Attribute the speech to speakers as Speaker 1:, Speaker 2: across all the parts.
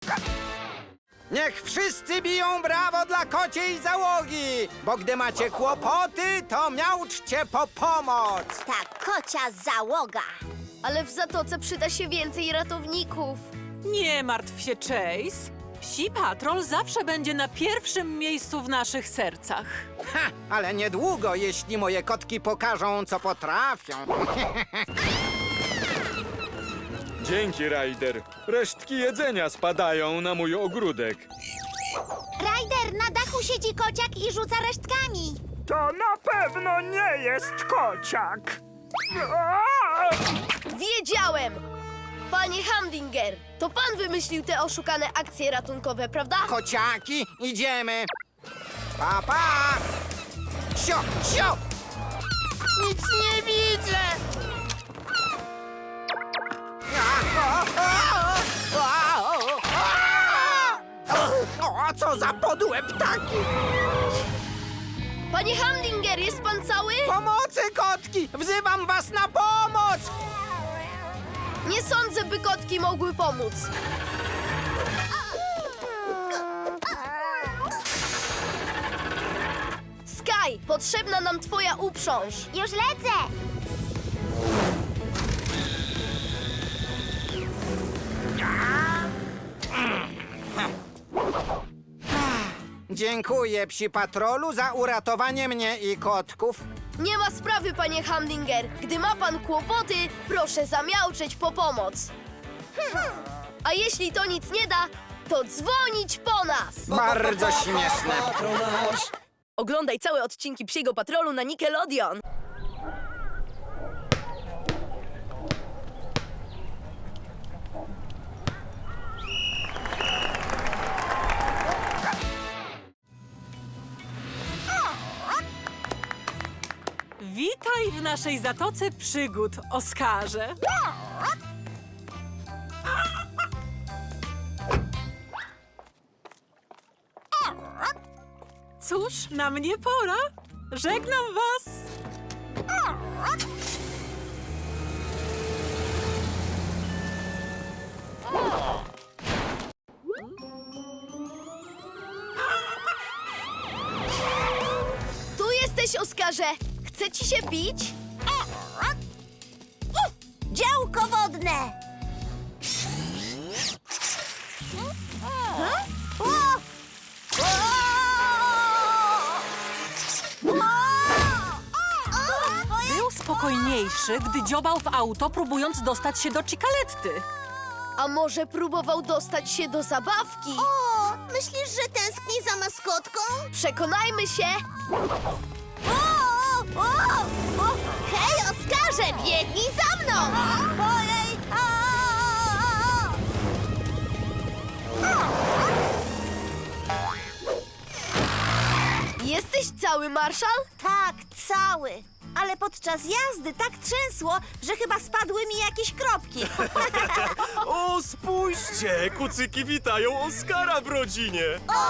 Speaker 1: Niech wszyscy biją brawo dla kociej załogi, bo gdy macie kłopoty, to miauczcie po pomoc.
Speaker 2: Ta kocia załoga.
Speaker 3: Ale w zatoce przyda się więcej ratowników.
Speaker 4: Nie martw się, Chase. Psi Patrol zawsze będzie na pierwszym miejscu w naszych sercach.
Speaker 1: Ha, ale niedługo, jeśli moje kotki pokażą, co potrafią.
Speaker 5: Dzięki, Ryder. Resztki jedzenia spadają na mój ogródek.
Speaker 2: Ryder, na dachu siedzi kociak i rzuca resztkami.
Speaker 6: To na pewno nie jest kociak.
Speaker 3: Wiedziałem! Panie Hamdinger, to pan wymyślił te oszukane akcje ratunkowe, prawda?
Speaker 1: Kociaki, idziemy. Pa, pa! Sio, sio! Nic nie widzę! O, co za podłe ptaki!
Speaker 3: Panie Hamdinger, jest pan cały?
Speaker 1: Pomocy, kotki! Wzywam was na pomoc!
Speaker 3: Nie sądzę, by kotki mogły pomóc. Sky, potrzebna nam twoja uprząż.
Speaker 2: Już lecę.
Speaker 1: Dziękuję, psi patrolu, za uratowanie mnie i kotków.
Speaker 3: Nie ma sprawy, panie Hamdinger. Gdy ma pan kłopoty, proszę zamiauczeć po pomoc. A jeśli to nic nie da, to dzwonić po nas.
Speaker 1: Bardzo śmieszne.
Speaker 3: Oglądaj całe odcinki Psiego Patrolu na Nickelodeon.
Speaker 4: Witaj w naszej zatoce przygód, Oskarze. Cóż, na mnie pora. Żegnam was.
Speaker 3: Tu jesteś, Oskarze. Chce ci się pić?
Speaker 2: Działko wodne.
Speaker 4: Był spokojniejszy, gdy dziobał w auto, próbując dostać się do Cikaletty.
Speaker 3: A może próbował dostać się do zabawki?
Speaker 2: O, myślisz, że tęskni za maskotką?
Speaker 3: Przekonajmy się.
Speaker 2: O! Hej, Oskarze, biegnij za mną! Ojej!
Speaker 3: Jesteś cały, Marszal?
Speaker 2: Tak, cały. Ale podczas jazdy tak trzęsło, że chyba spadły mi jakieś kropki.
Speaker 7: O, spójrzcie! Kucyki witają Oskara w rodzinie!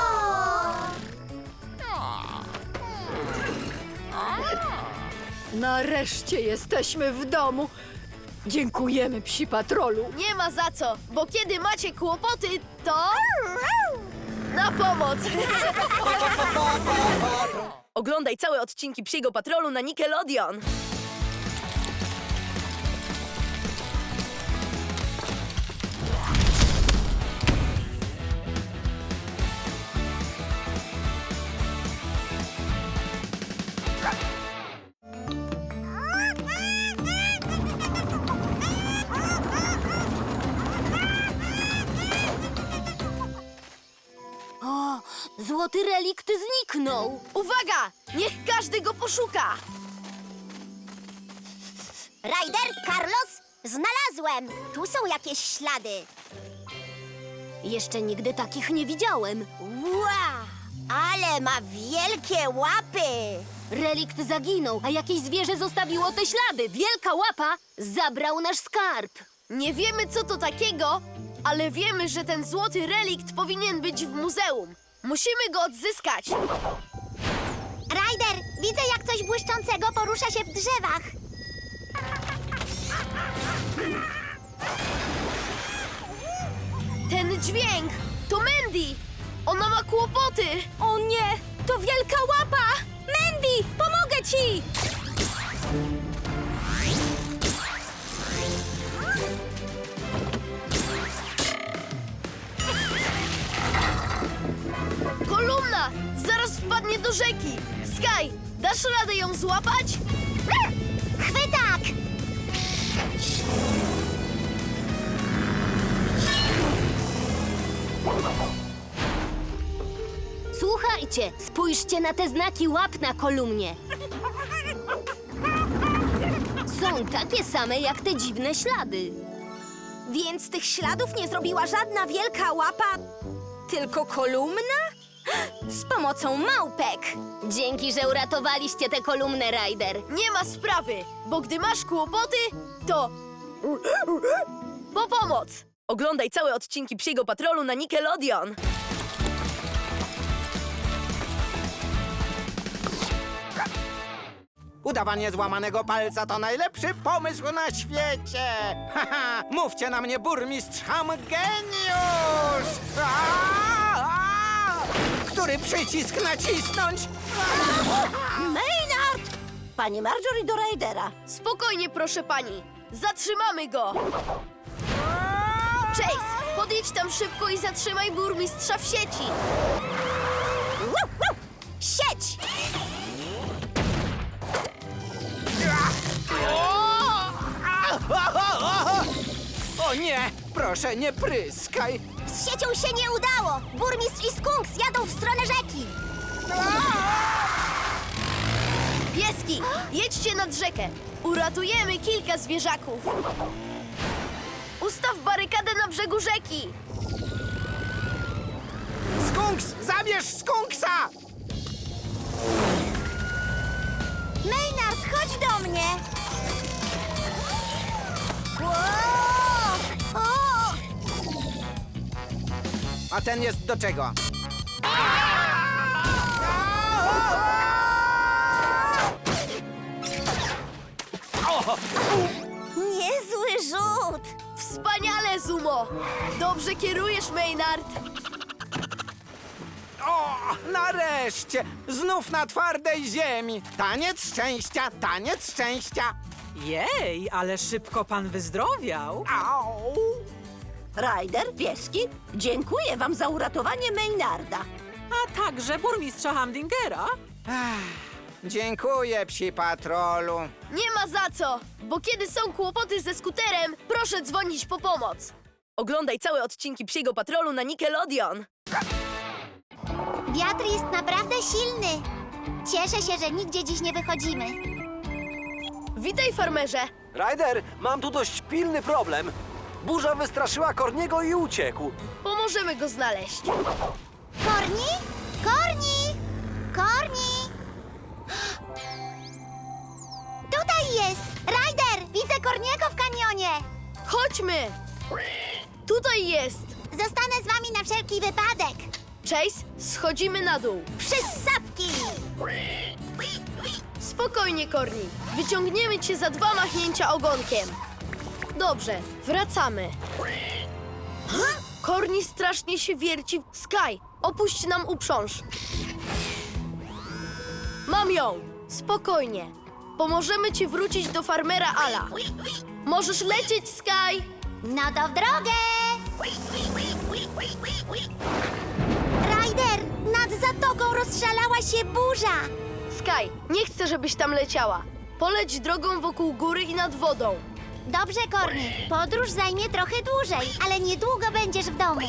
Speaker 8: Nareszcie jesteśmy w domu. Dziękujemy, psi patrolu.
Speaker 3: Nie ma za co, bo kiedy macie kłopoty, to... Na pomoc! Oglądaj całe odcinki Psiego Patrolu na Nickelodeon.
Speaker 2: O, złoty relikt zniknął.
Speaker 3: Uwaga! Niech każdy go poszuka!
Speaker 2: Ryder, Carlos, znalazłem. Tu są jakieś ślady. Jeszcze nigdy takich nie widziałem. Ła! Ale ma wielkie łapy. Relikt zaginął, a jakieś zwierzę zostawiło te ślady. Wielka łapa zabrał nasz skarb.
Speaker 3: Nie wiemy, co to takiego, ale wiemy, że ten złoty relikt powinien być w muzeum. Musimy go odzyskać.
Speaker 2: Ryder, widzę, jak coś błyszczącego porusza się w drzewach.
Speaker 3: Ten dźwięk! To Mandy! Ona ma kłopoty!
Speaker 2: O nie, to wielka łapa! Mandy, pomogę ci!
Speaker 3: Kolumna! Zaraz wpadnie do rzeki! Sky, dasz radę ją złapać?
Speaker 2: Chwytak! Słuchajcie, spójrzcie na te znaki łap na kolumnie. Są takie same jak te dziwne ślady. Więc tych śladów nie zrobiła żadna wielka łapa, tylko kolumna? Z pomocą małpek. Dzięki, że uratowaliście tę kolumnę, Ryder.
Speaker 3: Nie ma sprawy, bo gdy masz kłopoty, to... po pomoc! Oglądaj całe odcinki Psiego Patrolu na Nickelodeon.
Speaker 1: Udawanie złamanego palca to najlepszy pomysł na świecie! Haha, mówcie na mnie, burmistrz Ham Geniusz! Który przycisk nacisnąć?
Speaker 2: Maynard! Pani Marjorie do Rydera.
Speaker 3: Spokojnie, proszę pani. Zatrzymamy go! Chase, podjedź tam szybko i zatrzymaj burmistrza w sieci.
Speaker 2: Sieć!
Speaker 1: O nie! Proszę, nie pryskaj!
Speaker 2: Z siecią się nie udało! Burmistrz i Skunks jadą w stronę rzeki!
Speaker 3: Pieski, jedźcie nad rzekę. Uratujemy kilka zwierzaków. Ustaw barykadę na brzegu rzeki.
Speaker 1: Skunks! Zabierz skunksa!
Speaker 2: Maynard, chodź do mnie! O!
Speaker 1: A ten jest do czego?
Speaker 2: Niezły rzut!
Speaker 3: Wspaniale, Zumo! Dobrze kierujesz, Maynard.
Speaker 1: O, nareszcie! Znów na twardej ziemi! Taniec szczęścia, taniec szczęścia!
Speaker 4: Jej, ale szybko pan wyzdrowiał.
Speaker 1: Au!
Speaker 9: Ryder, pieski, dziękuję wam za uratowanie Maynarda.
Speaker 4: A także burmistrza Hamdingera.
Speaker 1: Dziękuję, psi patrolu.
Speaker 3: Nie ma za co, bo kiedy są kłopoty ze skuterem, proszę dzwonić po pomoc. Oglądaj całe odcinki Psiego Patrolu na Nickelodeon.
Speaker 2: Wiatr jest naprawdę silny. Cieszę się, że nigdzie dziś nie wychodzimy.
Speaker 3: Witaj, farmerze.
Speaker 10: Ryder, mam tu dość pilny problem. Burza wystraszyła Korniego i uciekł.
Speaker 3: Pomożemy go znaleźć.
Speaker 2: Korni? Korni! Korni! Tutaj jest! Ryder! Widzę Korniego w kanionie!
Speaker 3: Chodźmy! Tutaj jest!
Speaker 2: Zostanę z wami na wszelki wypadek!
Speaker 3: Chase, schodzimy na dół.
Speaker 2: Przyssapki!
Speaker 3: Spokojnie, Korni. Wyciągniemy cię za 2 machnięcia ogonkiem. Dobrze, wracamy. Korni strasznie się wierci. Sky, opuść nam uprząż. Mam ją. Spokojnie. Pomożemy ci wrócić do farmera Ala. Możesz lecieć, Sky.
Speaker 2: No to w drogę! Ryder! Nad zatoką rozszalała się burza!
Speaker 3: Sky, nie chcę, żebyś tam leciała. Poleć drogą wokół góry i nad wodą.
Speaker 2: Dobrze, Korni. Podróż zajmie trochę dłużej, ale niedługo będziesz w domu.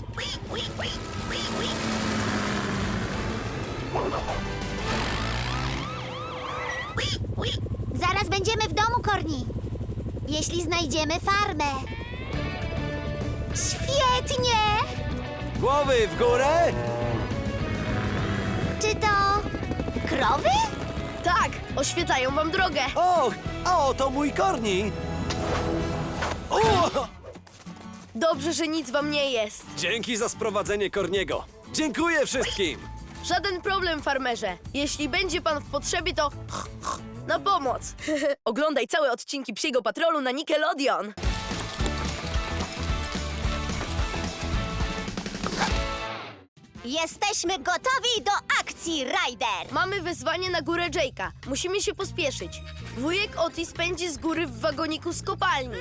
Speaker 2: Zaraz będziemy w domu, Korni. Jeśli znajdziemy farmę. Świetnie!
Speaker 10: Głowy w górę!
Speaker 2: Czy to krowy?
Speaker 3: Tak, oświetlają wam drogę.
Speaker 10: O, to mój Korni! O!
Speaker 3: Dobrze, że nic wam nie jest.
Speaker 10: Dzięki za sprowadzenie Korniego. Dziękuję wszystkim!
Speaker 3: Żaden problem, farmerze. Jeśli będzie pan w potrzebie, to na pomoc. Oglądaj całe odcinki Psiego Patrolu na Nickelodeon.
Speaker 2: Jesteśmy gotowi do akcji, Ryder!
Speaker 3: Mamy wezwanie na górę Jake'a. Musimy się pospieszyć. Wujek Otis pędzi z góry w wagoniku z kopalni.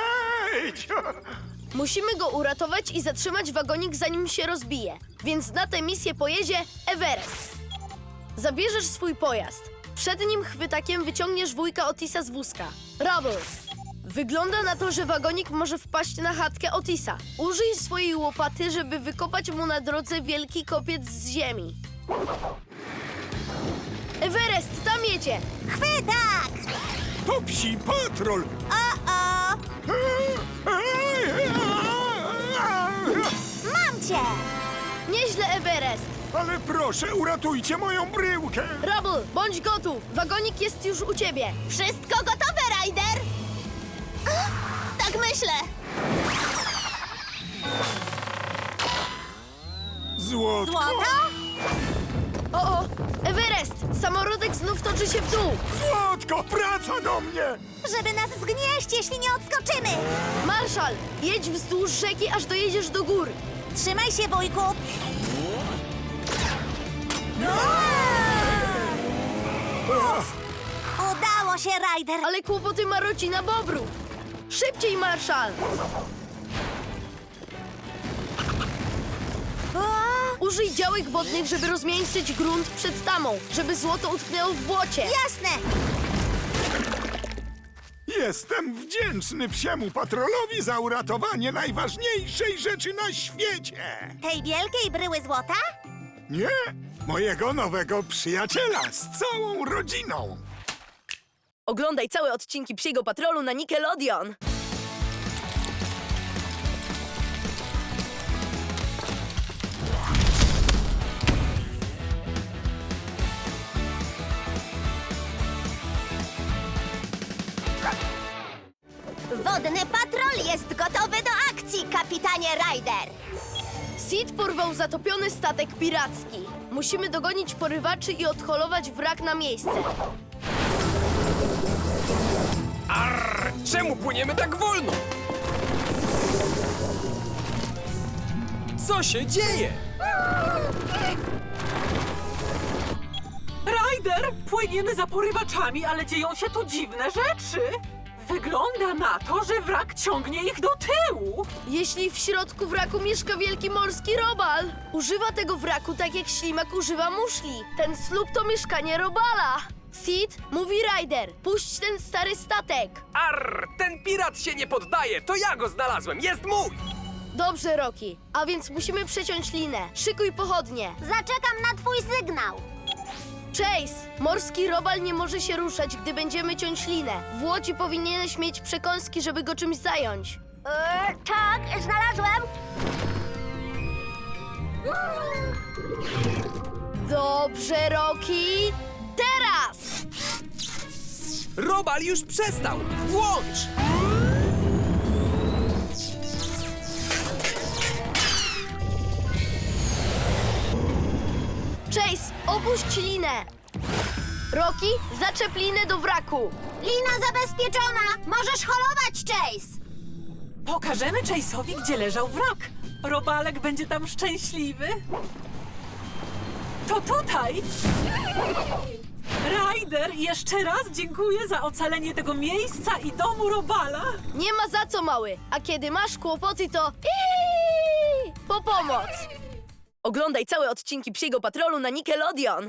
Speaker 3: Musimy go uratować i zatrzymać wagonik, zanim się rozbije. Więc na tę misję pojedzie Everest. Zabierzesz swój pojazd. Przed nim chwytakiem wyciągniesz wujka Otisa z wózka. Rubble. Wygląda na to, że wagonik może wpaść na chatkę Otisa. Użyj swojej łopaty, żeby wykopać mu na drodze wielki kopiec z ziemi. Everest, tam jedzie!
Speaker 2: Chwytak!
Speaker 6: To Psi Patrol!
Speaker 2: O! Mam cię!
Speaker 3: Nieźle, Everest!
Speaker 6: Ale proszę, uratujcie moją bryłkę!
Speaker 3: Rubble, bądź gotów! Wagonik jest już u ciebie!
Speaker 2: Wszystko gotowe, Ryder? Tak myślę!
Speaker 6: Złotko!
Speaker 2: Złoto?
Speaker 3: O! Everest! Samorodek znów toczy się w dół!
Speaker 6: Złotko, wraca do mnie!
Speaker 2: Żeby nas zgnieść, jeśli nie odskoczymy!
Speaker 3: Marszal, jedź wzdłuż rzeki, aż dojedziesz do gór!
Speaker 2: Trzymaj się, wujku! Udało się, Ryder!
Speaker 3: Ale kłopoty ma rodzina Bobrów! Szybciej, Marszal! Użyj działek wodnych, żeby rozmiękczyć grunt przed tamą, żeby złoto utknęło w błocie!
Speaker 2: Jasne!
Speaker 6: Jestem wdzięczny Psiemu Patrolowi za uratowanie najważniejszej rzeczy na świecie!
Speaker 2: Tej wielkiej bryły złota?
Speaker 6: Nie, mojego nowego przyjaciela z całą rodziną!
Speaker 3: Oglądaj całe odcinki Psiego Patrolu na Nickelodeon!
Speaker 2: Wodny patrol jest gotowy do akcji, kapitanie Ryder!
Speaker 3: Sid porwał zatopiony statek piracki. Musimy dogonić porywaczy i odholować wrak na miejsce.
Speaker 7: Czemu płyniemy tak wolno? Co się dzieje?
Speaker 4: Ryder, płyniemy za porywaczami, ale dzieją się tu dziwne rzeczy. Wygląda na to, że wrak ciągnie ich do tyłu.
Speaker 3: Jeśli w środku wraku mieszka wielki morski robal, używa tego wraku tak jak ślimak używa muszli. Ten słup to mieszkanie robala. Sid, mówi Ryder, puść ten stary statek.
Speaker 7: Ten pirat się nie poddaje, to ja go znalazłem, jest mój!
Speaker 3: Dobrze, Rocky, a więc musimy przeciąć linę. Szykuj pochodnie.
Speaker 2: Zaczekam na twój sygnał!
Speaker 3: Chase, morski robal nie może się ruszać, gdy będziemy ciąć linę. W łodzi powinieneś mieć przekąski, żeby go czymś zająć.
Speaker 2: Tak, znalazłem!
Speaker 3: Dobrze, Rocky. Teraz!
Speaker 7: Robal już przestał! Włącz!
Speaker 3: Chase, opuść linę! Rocky, zaczep linę do wraku!
Speaker 2: Lina zabezpieczona! Możesz holować, Chase!
Speaker 4: Pokażemy Chase'owi, gdzie leżał wrak. Robalek będzie tam szczęśliwy. To tutaj! Ryder, jeszcze raz dziękuję za ocalenie tego miejsca i domu Robala.
Speaker 3: Nie ma za co, mały. A kiedy masz kłopoty, to po pomoc. Oglądaj całe odcinki Psiego Patrolu na Nickelodeon.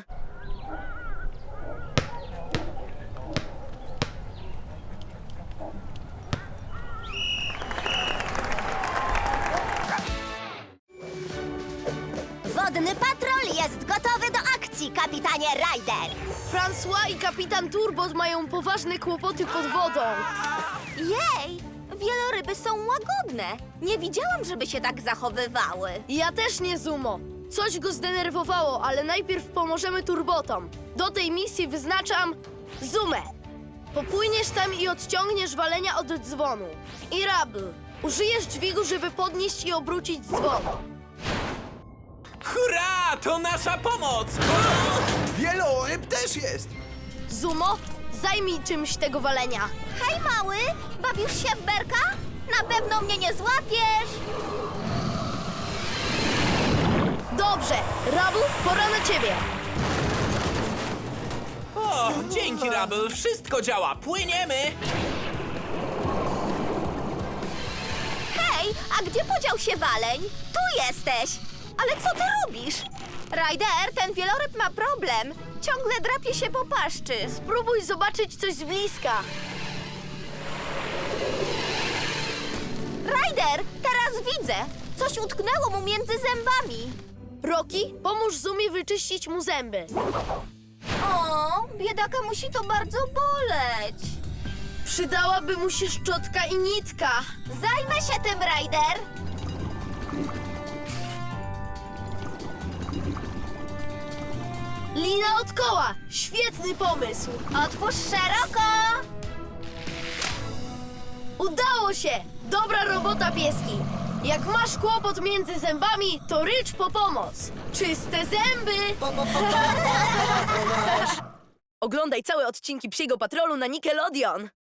Speaker 2: Wodny patrol jest gotowy do akcji, kapitanie Ryder!
Speaker 3: François i kapitan Turbot mają poważne kłopoty pod wodą.
Speaker 2: Jej! Wieloryby są łagodne. Nie widziałam, żeby się tak zachowywały.
Speaker 3: Ja też nie, Zumo. Coś go zdenerwowało, ale najpierw pomożemy Turbotom. Do tej misji wyznaczam Zumę. Popłyniesz tam i odciągniesz walenia od dzwonu. I Rubble. Użyjesz dźwigu, żeby podnieść i obrócić dzwon.
Speaker 7: Hurra! To nasza pomoc!
Speaker 10: Wieloryb też jest!
Speaker 3: Zumo, zajmij czymś tego walenia.
Speaker 2: Hej, mały! Bawisz się w berka? Na pewno mnie nie złapiesz!
Speaker 3: Dobrze, Rabu, pora na ciebie.
Speaker 11: O, dzięki, Rabel. Wszystko działa. Płyniemy.
Speaker 2: Hej, a gdzie podział się waleń? Tu jesteś! Ale co ty robisz? Ryder, ten wieloryb ma problem. Ciągle drapie się po paszczy.
Speaker 3: Spróbuj zobaczyć coś z bliska.
Speaker 2: Ryder, teraz widzę. Coś utknęło mu między zębami.
Speaker 3: Rocky, pomóż Zumie wyczyścić mu zęby.
Speaker 2: O, biedaka musi to bardzo boleć.
Speaker 3: Przydałaby mu się szczotka i nitka.
Speaker 2: Zajmę się tym, Ryder.
Speaker 3: Lina od koła. Świetny pomysł.
Speaker 2: Otwórz szeroko.
Speaker 3: Udało się! Dobra robota, pieski! Jak masz kłopot między zębami, to rycz po pomoc! Czyste zęby! Oglądaj całe odcinki Psiego Patrolu na Nickelodeon!